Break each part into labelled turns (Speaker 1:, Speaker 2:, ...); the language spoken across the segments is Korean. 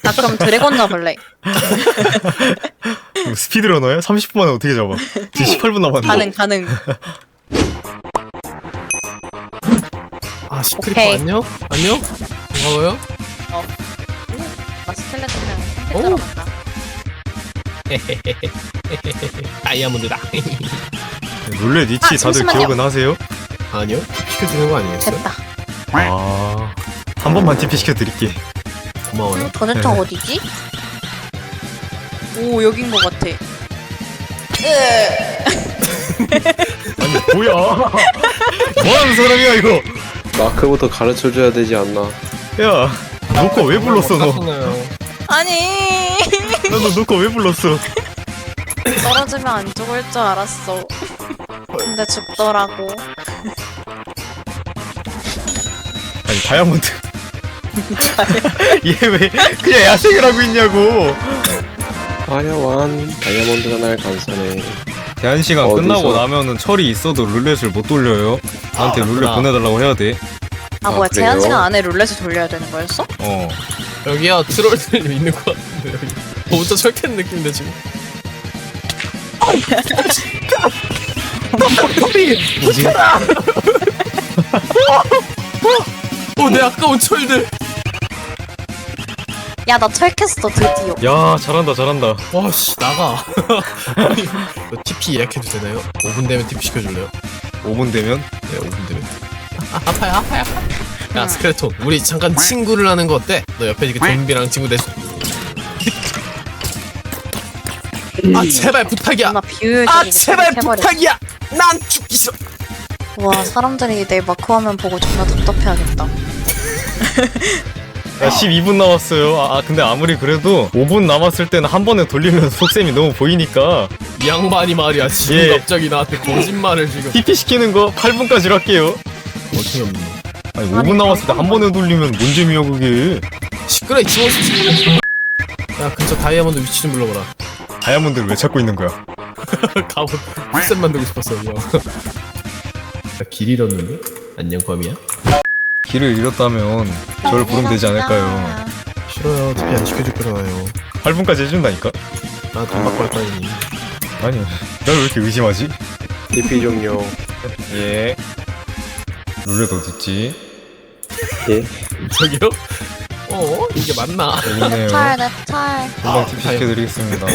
Speaker 1: 나 그럼 드래곤 잡을래.
Speaker 2: 스피드러너야? 30분 만에 어떻게 잡아? 지금 18분 남았는데.
Speaker 1: 가능.
Speaker 3: 아 시크리퍼
Speaker 1: 오케이.
Speaker 3: 안녕? 안녕? 고마워요.
Speaker 1: 나 스켈레톤이랑
Speaker 3: 오.
Speaker 1: 들어간다.
Speaker 3: 다이아몬드다.
Speaker 2: 룰렛 위치 다들
Speaker 1: 잠시만요.
Speaker 2: 기억은 하세요?
Speaker 3: 아니요? 시켜주는 거 아니겠어요?
Speaker 1: 됐다.
Speaker 2: 아, 한 번만 TP 시켜드릴게.
Speaker 3: 고마워요.
Speaker 1: 도대체
Speaker 2: 네.
Speaker 1: 어디지? 오 여긴 것 같아.
Speaker 2: 아니 뭐야? 뭐하는 사람이야 이거?
Speaker 4: 마크부터 가르쳐줘야 되지 않나.
Speaker 2: 야, 노코 왜 불렀어 너?
Speaker 3: 깎았나요?
Speaker 1: 아니
Speaker 2: 너 노코 왜 불렀어?
Speaker 1: 떨어지면 안 죽을 줄 알았어. 근데 죽더라고.
Speaker 2: 아니 다이아몬드. 얘 왜 그냥 야생을 하고 있냐고.
Speaker 4: 화려한 다이아몬드가 날 감싸네.
Speaker 2: 제한 시간
Speaker 4: 어디서?
Speaker 2: 끝나고 나면은 철이 있어도 룰렛을 못 돌려요. 나한테 룰렛
Speaker 3: 맞구나.
Speaker 2: 보내달라고 해야 돼.
Speaker 1: 아
Speaker 4: 아,
Speaker 1: 뭐야 제한
Speaker 4: 그래요?
Speaker 1: 시간 안에 룰렛을 돌려야 되는 거였어?
Speaker 2: 어.
Speaker 3: 여기야 트롤들이 있는 것 같은데 여기. 혼자 철캐는 느낌인데 지금.
Speaker 2: 뭐지?
Speaker 3: 내 아까운 철들.
Speaker 1: 야 나 철캐스터 드디어.
Speaker 2: 야 잘한다 잘한다.
Speaker 3: 와씨 나가. 아니, 너 TP 예약해도 되나요? 5분 되면 TP 시켜줄래요?
Speaker 2: 5분 되면
Speaker 3: 네 5분 되면. 아파요. 야 스켈레톤 우리 잠깐 친구를 하는 거 어때? 너 옆에 이렇게 좀비랑 친구 돼서. 아 제발 부탁이야.
Speaker 1: 나 비효율적이게
Speaker 3: 아 제발
Speaker 1: 해버려.
Speaker 3: 부탁이야. 난 죽기 싫어.
Speaker 1: 와 사람들이 내 마크 화면 보고 존나 답답해하겠다.
Speaker 2: 야 12분 남았어요. 아 근데 아무리 그래도 5분 남았을 때는 한 번에 돌리면 속셈이 너무 보이니까
Speaker 3: 이 양반이 말이야 지금
Speaker 2: 예.
Speaker 3: 갑자기 나한테 거짓말을 지금.
Speaker 2: TP 시키는 거 8분까지로 할게요.
Speaker 3: 어떻게 없는?
Speaker 2: 아니 5분 남았을 때 한 번에 돌리면 뭔 재미야 그게.
Speaker 3: 시끄러 이 지워서. 야 근처 다이아몬드 위치 좀 불러봐라.
Speaker 2: 다이아몬드를 왜 찾고 있는 거야?
Speaker 3: 갑옷 풀셋 만들고 싶었어 이거. 길 잃었는데? 안녕 범이야?
Speaker 2: 길을 잃었다면 저를 부르면 되지 않을까요?
Speaker 3: 싫어요 TP 안 시켜줄 거잖아요.
Speaker 2: 8분까지 해준다니까?
Speaker 3: 나 돈 받고 할 거니.
Speaker 2: 아니 날 왜 이렇게 의심하지?
Speaker 4: DP 종료.
Speaker 2: 예. 룰렛 어딨지?
Speaker 4: 예.
Speaker 3: 저기요? 이게 맞나?
Speaker 2: 여기 있네요.
Speaker 1: 내 찰.
Speaker 2: 금방 TP 시켜드리겠습니다.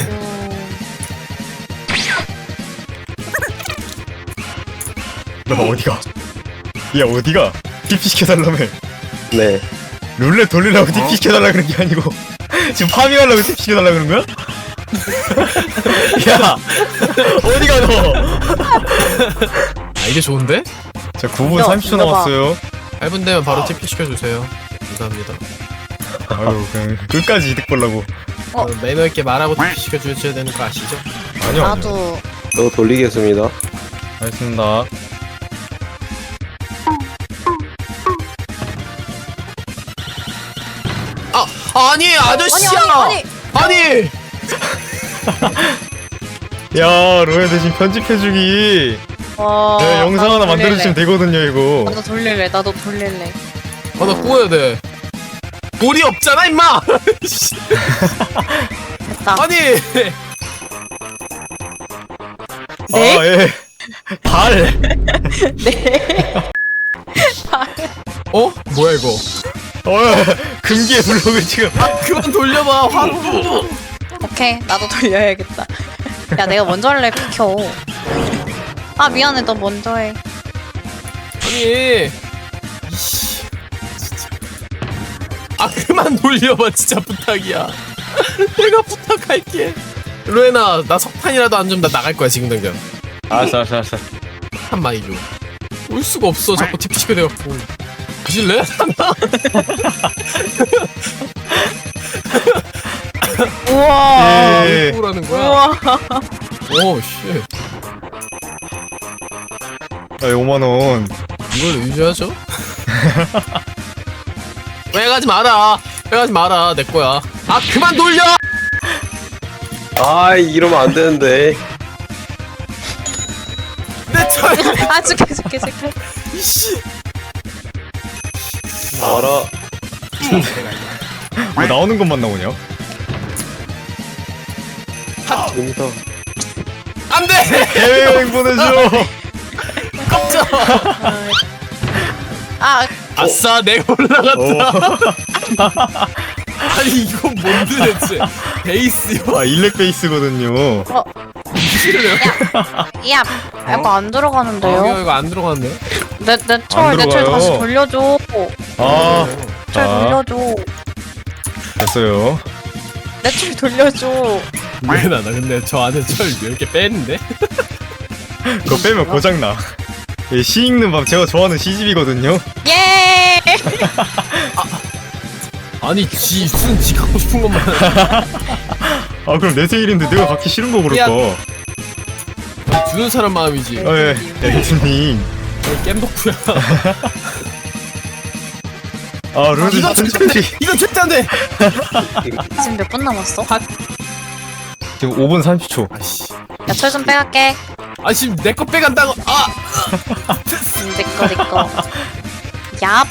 Speaker 2: 너 어디가? 야 어디가? TP 시켜달라며.
Speaker 4: 네.
Speaker 2: 룰렛 돌리려고 TP 시켜달라 그런 게 아니고 지금 파밍하려고 TP 시켜달라 그런 거야? 야 어디가 너?
Speaker 3: 아 이게 좋은데?
Speaker 2: 자 9분
Speaker 1: 야,
Speaker 2: 30초
Speaker 1: 이거 봐.
Speaker 2: 남았어요.
Speaker 3: 8분 되면 바로 TP 시켜주세요. 감사합니다.
Speaker 2: 아유 그냥 끝까지 이득 보려고.
Speaker 3: 매너 있게 말하고 TP 시켜주셔야 되는 거 아시죠?
Speaker 2: 아니요 아니요.
Speaker 1: 나도
Speaker 4: 또 돌리겠습니다.
Speaker 2: 알겠습니다.
Speaker 3: 아니 아저씨야! 아니!
Speaker 2: 야 로에 대신 편집해주기.
Speaker 1: 와.
Speaker 2: 내가 영상
Speaker 1: 나도
Speaker 2: 하나 만들어주시면 되거든요 이거.
Speaker 1: 나도 돌릴래.
Speaker 3: 나 구워야 돼. 볼이 없잖아 임마!
Speaker 1: 됐다.
Speaker 3: 아니!
Speaker 1: 네?
Speaker 2: 아 예. 발.
Speaker 1: 네.
Speaker 3: 뭐야 이거?
Speaker 2: 금기의 블록을 지금.
Speaker 3: 그만 돌려봐 화로.
Speaker 1: 오케이 나도 돌려야겠다. 야 내가 먼저 할래 비켜. 아 미안해 너 먼저 해.
Speaker 3: 아니 이씨 진짜. 아 그만 돌려봐 진짜 부탁이야. 내가 부탁할게. 루에나 나 석탄이라도 안 주면 나 나갈 거야 지금 당장.
Speaker 2: 알았어.
Speaker 3: 한 마이 줘. 올 수가 없어 자꾸 TP 시켜내갖고. 부실래?
Speaker 1: 우와.
Speaker 2: 예.
Speaker 3: 뭐라는 거야?
Speaker 1: 우와.
Speaker 3: 오 씨.
Speaker 2: 아 5만 원.
Speaker 3: 이걸 유지하죠? 왜 가지 마라. 왜 가지 마라 내 거야. 아 그만 돌려.
Speaker 4: 아, 이러면 안 되는데.
Speaker 3: 내 철.
Speaker 1: 아 줄게.
Speaker 3: 이씨.
Speaker 4: 알아.
Speaker 2: 왜 나오는 것만 나오냐?
Speaker 4: 됩니다.
Speaker 3: 안돼.
Speaker 2: 해외여행 보내줘.
Speaker 3: 깜짝.
Speaker 1: 아,
Speaker 3: 아싸 내가 올라갔다. 아니 이건 뭔데 대체? 베이스요?
Speaker 2: 아 일렉 베이스거든요.
Speaker 3: 싫어요?
Speaker 1: 야, 이거 안
Speaker 3: 아,
Speaker 1: 들어가는데요?
Speaker 3: 이거 안 들어갔네.
Speaker 1: 내철
Speaker 2: 들어가요.
Speaker 1: 다시 돌려줘.
Speaker 2: 아,
Speaker 1: 철
Speaker 2: 자
Speaker 1: 돌려줘.
Speaker 2: 됐어요.
Speaker 1: 내철 돌려줘.
Speaker 3: 왜나 근데 저 안에 철 이렇게 빼는데?
Speaker 2: 그거 빼면 고장 나. 예, 시 읽는 밤 제가 좋아하는 시집이거든요.
Speaker 1: 예!
Speaker 3: 아니 지 갖고 싶은 것만.
Speaker 2: 아 그럼 내 생일인데 내가 갖기 싫은 거
Speaker 3: 야.
Speaker 2: 그럴까?
Speaker 3: 주는 사람 마음이지.
Speaker 2: 아 예, 에이트님.
Speaker 3: 겜덕후야.
Speaker 2: 아 르드
Speaker 3: 이건 절대 안 돼. 이건 절대 안 돼.
Speaker 1: 지금 몇 분 남았어?
Speaker 2: 지금 5분 30초.
Speaker 3: 아씨.
Speaker 1: 야, 철 좀 빼갈게.
Speaker 3: 아 지금 내 거 빼간다고. 아.
Speaker 1: 내꺼. 얍.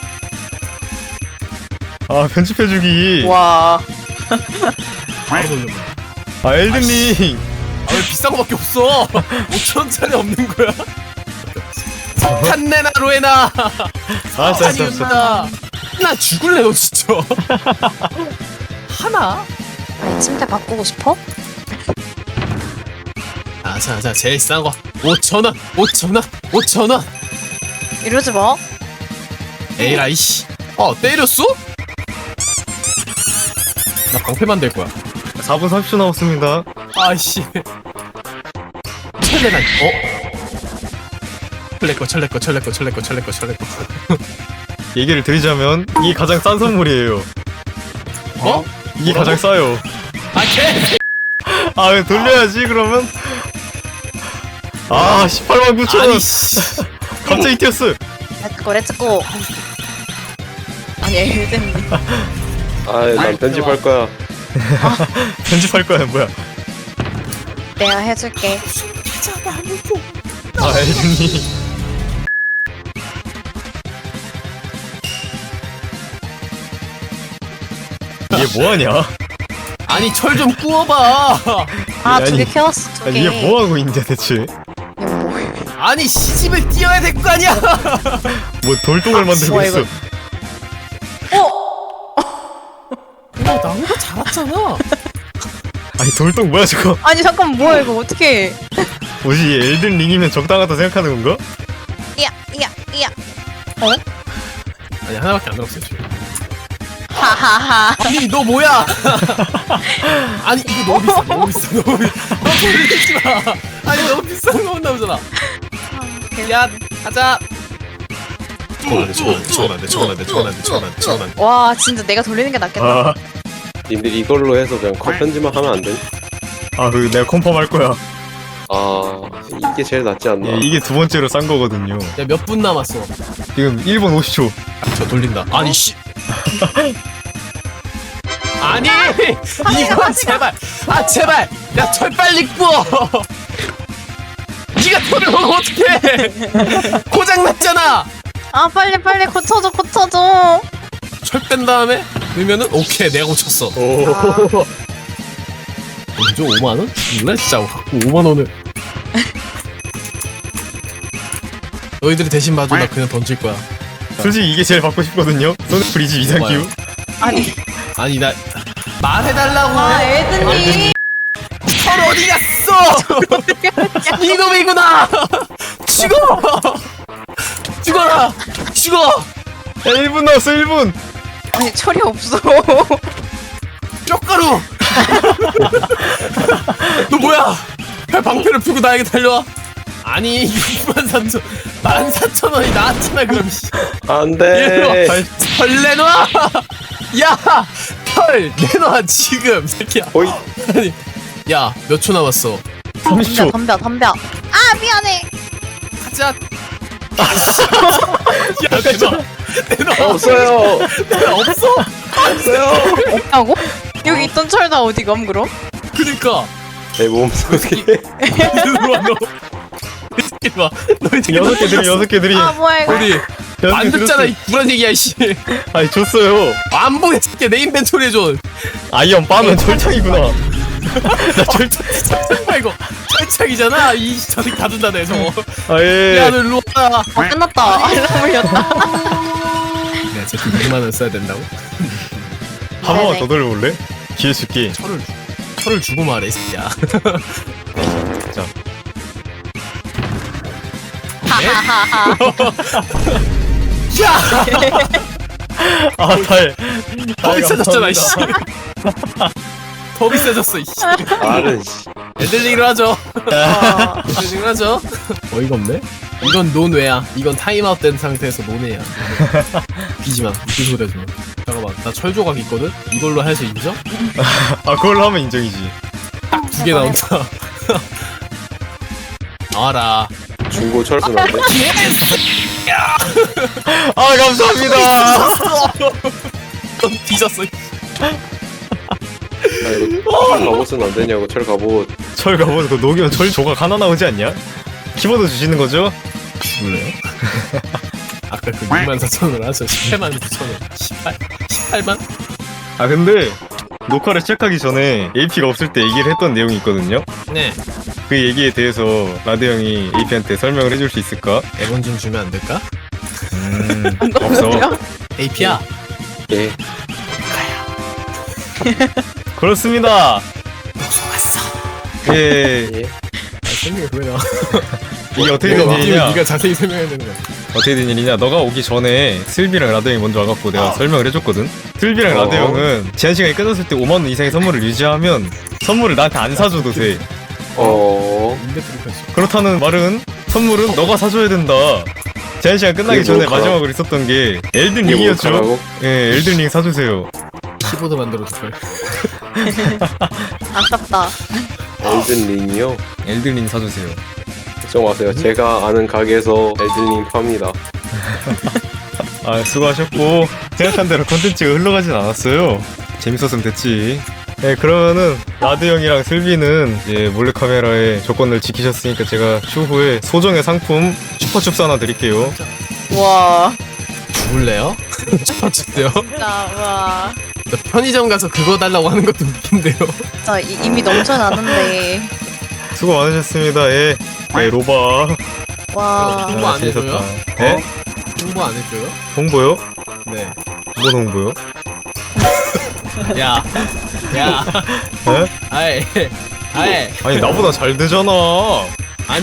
Speaker 2: 아 편집해주기.
Speaker 1: 와.
Speaker 3: 바로 돌려.
Speaker 2: 아 엘든님.
Speaker 3: 아 왜 비싼 거밖에 없어? 5천원짜리 없는 거야? 석탄 내나 로에나.
Speaker 2: 아 진짜.
Speaker 3: 아니었나? 나 죽을래 너 진짜. 하나?
Speaker 1: 침대 바꾸고 싶어?
Speaker 3: 자 제일 싼 거 5천원 5천원 5천원.
Speaker 1: 이러지 마.
Speaker 3: 에이라이 씨. 때렸어? 나 방패만 될 거야.
Speaker 2: 4분 30초 남았습니다.
Speaker 3: 아이씨. 철레난 철레꺼.
Speaker 2: 얘기를 드리자면 이게 가장 싼 선물이에요.
Speaker 3: 어?
Speaker 2: 이게 가장 싸요.
Speaker 3: 아 개.
Speaker 2: 아 왜 돌려야지 그러면? 아 18만 9천
Speaker 3: 아니
Speaker 2: 원.
Speaker 3: 씨.
Speaker 2: 갑자기 뛰었어.
Speaker 1: 렛츠고. 아니, 엘든님.
Speaker 4: 난 편집할 거야.
Speaker 2: 편집할 거야 뭐야?
Speaker 1: 내가 해줄게.
Speaker 2: 아 엘든님. 얘 뭐하냐?
Speaker 3: 아니 철 좀 구워봐.
Speaker 1: 아, 두 개
Speaker 2: 아니,
Speaker 1: 캐왔어, 두 개.
Speaker 2: 아니 얘 뭐하고 있는데 대체?
Speaker 3: 아니 시집을 띄어야 될 거 아니야.
Speaker 2: 뭐 돌동을 만들고
Speaker 1: 좋아,
Speaker 2: 있어.
Speaker 1: 이거.
Speaker 3: 나보다 잘했잖아.
Speaker 2: 아니 돌동 뭐야 저거?
Speaker 1: 아니, 잠깐만, 뭐야, 이거 어떻게.
Speaker 2: 뭐지 얘 엘든 링이면 적당하다 생각하는 건가?
Speaker 1: 이야.
Speaker 3: 아니 하나밖에 안 들었어요 지금.
Speaker 1: 하하하.
Speaker 3: 아니 너 뭐야? 아니 이거 너무 비싸. 너 돌리지 마. 아니 너무 비싼 거 나오잖아. 야 가자. 저건 안 돼.
Speaker 1: 와, 진짜 내가 돌리는 게 낫겠다.
Speaker 2: 아,
Speaker 4: 님들 이걸로 해서 그냥 컷 편집만 하면 안 돼?
Speaker 2: 그 내가 컨펌 할 거야.
Speaker 4: 이게 제일 낫지 않나?
Speaker 2: 예, 이게 두 번째로 싼 거거든요.
Speaker 3: 야 몇 분 남았어?
Speaker 2: 지금 1분 50초.
Speaker 3: 저 돌린다. 아니 씨. 아니 이거 제발. 제발. 야 철 빨리 구워. 네가 돌을 먹으면 어떡해? 고장 났잖아.
Speaker 1: 아, 빨리 고쳐줘.
Speaker 3: 철 뺀 다음에 넣으면은 오케이 내가 고쳤어.
Speaker 2: 오.
Speaker 3: 먼저 5만 원? 몰라 진짜 갖고 5만 원을. 너희들이 대신 봐줘. 나 그냥 던질 거야.
Speaker 2: 솔직히 이게 제일 받고 싶거든요. 소닉프리즈 이상기후.
Speaker 3: 아니 나 말해달라고.
Speaker 1: 엘든님.
Speaker 3: 철 어디 갔어? 이놈이구나. 죽어라.
Speaker 2: 1분 남았어 1분.
Speaker 1: 아니, 철이 없어.
Speaker 3: 뼈가루. 너 뭐야? 방패를 펴고 나에게 달려와. 아니 14,000원이 나왔잖아 그럼.
Speaker 4: 안
Speaker 3: 얘들아,
Speaker 4: 돼.
Speaker 3: 철 내놔. 야, 철 내놔 지금 새끼야.
Speaker 4: 오이.
Speaker 3: 아니, 야, 몇 초 남았어?
Speaker 2: 30초.
Speaker 1: 덤벼. 아, 미안해.
Speaker 3: 가자. 야, 내놔.
Speaker 4: 없어요.
Speaker 3: 없어.
Speaker 4: 없어요.
Speaker 1: 없다고? 여기 있던 철 다 어디 감, 그럼?
Speaker 3: 그니까.
Speaker 4: 내 몸속에.
Speaker 3: 이리 와 너. 이리 와. 너희 되게
Speaker 2: 6개 드림 6개 드림.
Speaker 1: 아 뭐야 이거.
Speaker 3: 어디? 안 듣잖아 이 불안 얘기야 씨.
Speaker 2: 아니 줬어요.
Speaker 3: 안 보게 새끼 내 인벤토리 해줘.
Speaker 2: 아이언 빠면 철창이구나. 나 철창.
Speaker 3: 설마 이거 철창이잖아. 이 자식 다 준다네 저거.
Speaker 2: 아예.
Speaker 3: 야 너 일로 와.
Speaker 1: 끝났다. 알람 울렸다.
Speaker 3: 내가 제 6만 원 써야 된다고?
Speaker 2: 한 번만
Speaker 1: 네네.
Speaker 2: 더 돌려볼래? 기회 줄게.
Speaker 3: 철을 주고 말해 이 새끼야.
Speaker 2: 자.
Speaker 1: 하하하하.
Speaker 2: 아 달.
Speaker 3: 더 비싸졌잖아 이씨. 더 비싸졌어 이씨.
Speaker 4: 말은 씨.
Speaker 3: 애들링으로 하죠.
Speaker 1: 어.
Speaker 3: 애들링으로 하죠. 어이가 없네. 이건 논외야. 이건 타임아웃 된 상태에서 논외야. 비지마. 무슨 소리 하지 마. 잠깐만. 나 철 조각 있거든? 이걸로 해서 인정?
Speaker 2: 아 그걸로 하면 인정이지.
Speaker 3: 두 개 나온다. 나와라.
Speaker 4: 중고 철수 난데.
Speaker 2: 아 감사합니다.
Speaker 3: 넌 뒤졌어.
Speaker 4: 아 이거 철 갑옷은 안 되냐고 철 갑옷.
Speaker 2: 철 가보면 그 녹이면 철 조각 하나 나오지 않냐? 키보드 주시는 거죠?
Speaker 3: 몰라요? 아까 그 64,000원 하죠. 18만 9천원. 18만?
Speaker 2: 아 근데 녹화를 시작하기 전에 AP가 없을 때 얘기를 했던 내용이 있거든요.
Speaker 3: 네.
Speaker 2: 그 얘기에 대해서 라드 형이 AP한테 설명을 해줄 수 있을까?
Speaker 3: 100원 좀 주면 안 될까?
Speaker 2: 없어.
Speaker 3: AP야.
Speaker 4: 예.
Speaker 2: 그렇습니다.
Speaker 3: 속았어.
Speaker 2: 예.
Speaker 4: 예.
Speaker 3: 설명이 왜 나와?
Speaker 2: 이게 어떻게
Speaker 3: 내가
Speaker 2: 된
Speaker 3: 어떻게
Speaker 2: 일이냐?
Speaker 3: 네가 자세히 설명해야 되는 거야.
Speaker 2: 어떻게 된 일이냐? 너가 오기 전에 슬비랑 라드 형이 먼저 와갖고 내가 설명을 해줬거든. 슬비랑 라드 형은 제한 시간이 끝났을 때 5만 원 이상의 선물을 유지하면 선물을 나한테 안 사줘도 돼.
Speaker 3: 인벤토리 펼쳐.
Speaker 2: 그렇다는 말은 선물은 너가 사줘야 된다. 제한 시간 끝나기
Speaker 4: 그게
Speaker 2: 전에
Speaker 4: 뭘까?
Speaker 2: 마지막으로 있었던 게 엘든
Speaker 4: 이게
Speaker 2: 링이었죠.
Speaker 4: 뭘까라고?
Speaker 2: 예, 엘든 링 사주세요.
Speaker 3: 키보드 만들어도 돼.
Speaker 1: 아깝다.
Speaker 4: 엘든 링이요?
Speaker 2: 엘든 링 사주세요.
Speaker 4: 걱정 마세요. 제가 아는 가게에서 엘든 링 팝니다.
Speaker 2: 아 수고하셨고 생각한 대로 컨텐츠가 흘러가진 않았어요. 재밌었으면 됐지. 네 그러면은 라드 형이랑 슬비는 이제 몰래카메라의 조건을 지키셨으니까 제가 추후에 소정의 상품 슈퍼춥스 하나 드릴게요.
Speaker 1: 와.
Speaker 3: 죽을래요? 슈퍼칩대요?
Speaker 1: 진짜 와.
Speaker 3: 나 편의점 가서 그거 달라고 하는 것도 웃긴데요.
Speaker 1: 진짜 이미 넘쳐나는데.
Speaker 2: 수고 많으셨습니다. 예. 네 로바.
Speaker 1: 와.
Speaker 3: 홍보 안 해줘요?
Speaker 2: 예?
Speaker 3: 홍보 안 해줘요?
Speaker 2: 홍보요?
Speaker 3: 네.
Speaker 2: 뭔 홍보요?
Speaker 3: 야. 야.
Speaker 2: 예?
Speaker 3: 아이. 아이.
Speaker 2: 아니 나보다 잘 되잖아.
Speaker 3: 아니.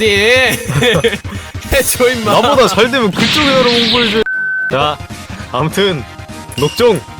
Speaker 3: 해줘 임마.
Speaker 2: 나보다 잘 되면 그쪽에 나를 홍보해줘. 자 아무튼 녹종